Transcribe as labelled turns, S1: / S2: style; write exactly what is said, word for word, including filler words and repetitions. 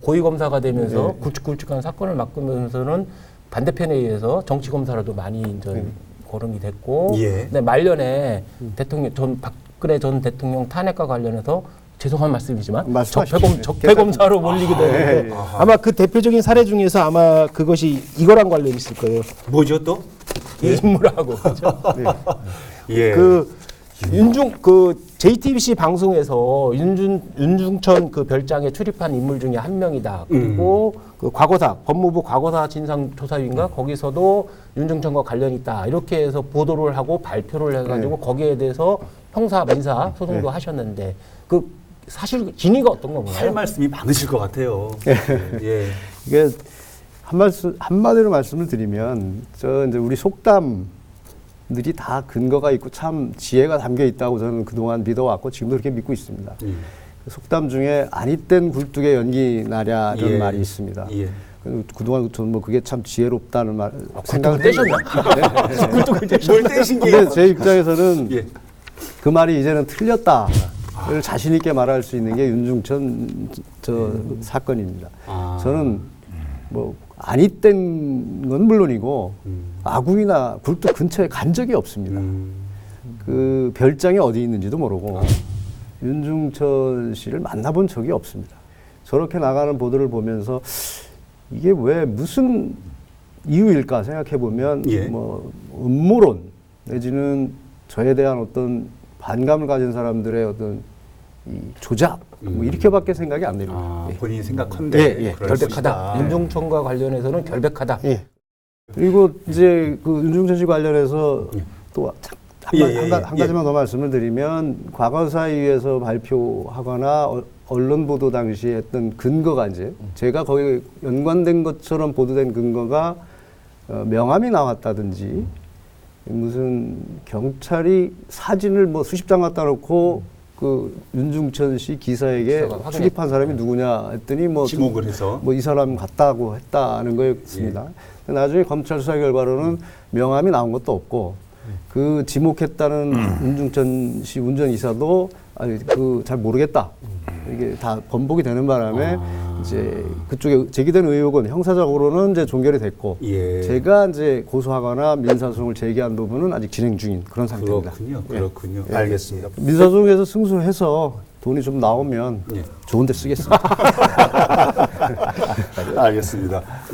S1: 고위검사가 되면서
S2: 네.
S1: 굵직굵직한 사건을 맡으면서는 반대편에 의해서 정치검사라도 많이 이제
S2: 네.
S1: 거론이 됐고,
S3: 예.
S1: 근데 말년에 대통령 전 박근혜 전 대통령 탄핵과 관련해서 죄송한 말씀이지만
S2: 말씀하십시오.
S1: 적폐검, 적폐검사로 몰리게 되는데
S2: 네.
S1: 아마 그 대표적인 사례 중에서 아마 그것이 이거랑 관련이 있을 거예요.
S3: 뭐죠 또?
S1: 이 인물하고 그렇죠?
S3: 예.
S1: 그 윤중 그 제이티비씨 방송에서 윤준 윤중천 그 별장에 출입한 인물 중에 한 명이다. 그리고
S3: 음.
S1: 그 과거사 법무부 과거사 진상조사위인가 거기서도 윤중천과 관련이 있다. 이렇게 해서 보도를 하고 발표를 해가지고
S2: 네.
S1: 거기에 대해서 형사 민사 소송도
S2: 네.
S1: 하셨는데 그 사실 진위가 어떤 건가요?
S3: 할 말씀이 많으실 것 같아요. 예.
S2: 이게 한 말씀 한마디로 말씀을 드리면 저 이제 우리 속담들이 다 근거가 있고 참 지혜가 담겨 있다고 저는 그동안 믿어왔고 지금도 그렇게 믿고 있습니다.
S3: 음.
S2: 그 속담 중에 아니땐 굴뚝에 연기 나랴라는
S3: 예.
S2: 말이 있습니다.
S3: 예.
S2: 그- 그동안 저는 뭐 그게 참 지혜롭다는 말
S1: 아,
S2: 생각을
S1: 굴뚝을
S2: 했는데
S1: 떼셨나? 굴뚝을 떼셨나?
S3: 뭘 떼신 게?
S2: 근데 제 입장에서는
S3: 예.
S2: 그 말이 이제는 틀렸다를 자신 있게 말할 수 있는 게 윤중천 저 사건입니다.
S3: 아.
S2: 저는 뭐 아니 땐 건 물론이고
S3: 음.
S2: 아궁이나 굴뚝 근처에 간 적이 없습니다.
S3: 음.
S2: 그 별장이 어디 있는지도 모르고 윤중천 씨를 만나본 적이 없습니다. 저렇게 나가는 보도를 보면서 이게 왜 무슨 이유일까 생각해 보면
S3: 예.
S2: 뭐 음모론 내지는 저에 대한 어떤 반감을 가진 사람들의 어떤 이 조작 뭐
S3: 음.
S2: 이렇게밖에 생각이 안 됩니다.
S3: 아,
S2: 예.
S3: 본인이 생각한데
S2: 예, 예.
S3: 그럴 수
S1: 결백하다.
S3: 있다.
S1: 윤중천과 관련해서는 결백하다.
S2: 예. 그리고 이제 그 윤중천 씨 관련해서 또 한,
S3: 예,
S2: 한,
S3: 예,
S2: 한,
S3: 예.
S2: 한 가지만 더 말씀을 드리면 과거사위에서 발표하거나 어- 언론 보도 당시에 했던 근거가 이제 제가 거기 연관된 것처럼 보도된 근거가 어, 명함이 나왔다든지 무슨 경찰이 사진을 뭐 수십 장 갖다 놓고 그 윤중천 씨 기사에게
S1: 기사가 확인했-
S2: 출입한 사람이 누구냐 했더니 뭐
S3: 지목을 해서
S2: 뭐 이 사람 같다고 했다는 거였습니다. 근데 나중에 검찰 수사 결과로는 명함이 나온 것도 없고 그 지목했다는 윤중천 씨 운전이사도 아니 그 잘 모르겠다. 이게 다 번복이 되는 바람에
S3: 아.
S2: 이제 그쪽에 제기된 의혹은 형사적으로는 이제 종결이 됐고
S3: 예.
S2: 제가 이제 고소하거나 민사소송을 제기한 부분은 아직 진행 중인 그런 상태입니다.
S3: 그렇군요.
S2: 예.
S3: 그렇군요. 알겠습니다.
S2: 민사소송에서 승소해서 돈이 좀 나오면
S3: 예.
S2: 좋은 데 쓰겠습니다.
S3: 알겠습니다.